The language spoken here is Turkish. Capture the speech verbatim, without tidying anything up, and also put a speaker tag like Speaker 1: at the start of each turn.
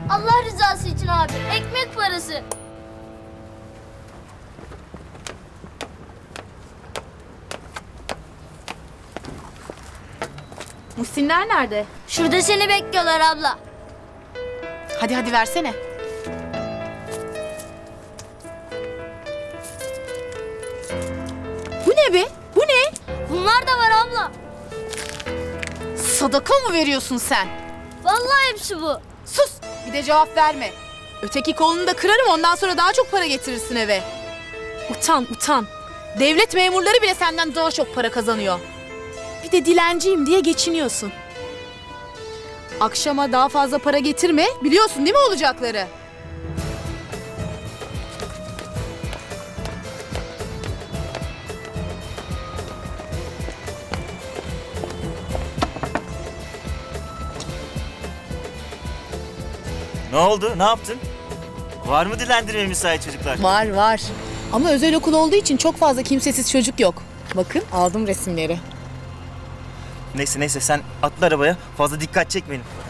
Speaker 1: Allah rızası için abi. Ekmek parası.
Speaker 2: Muhsinler nerede?
Speaker 1: Şurada seni bekliyorlar abla.
Speaker 2: Hadi hadi versene. Bu ne be? Bu ne?
Speaker 1: Bunlar da var abla.
Speaker 2: Sadaka mı veriyorsun sen?
Speaker 1: Vallahi hepsi bu.
Speaker 2: Sus! Bir de cevap verme. Öteki kolunu da kırarım, ondan sonra daha çok para getirirsin eve. Utan, utan. Devlet memurları bile senden daha çok para kazanıyor. Bir de dilenciyim diye geçiniyorsun. Akşama daha fazla para getirme, biliyorsun değil mi olacakları?
Speaker 3: Ne oldu? Ne yaptın? Var mı dilendirmeye müsait çocuklar?
Speaker 2: Var var. Ama özel okul olduğu için çok fazla kimsesiz çocuk yok. Bakın aldım resimleri.
Speaker 3: Neyse neyse sen atla arabaya. Fazla dikkat çekmeyin.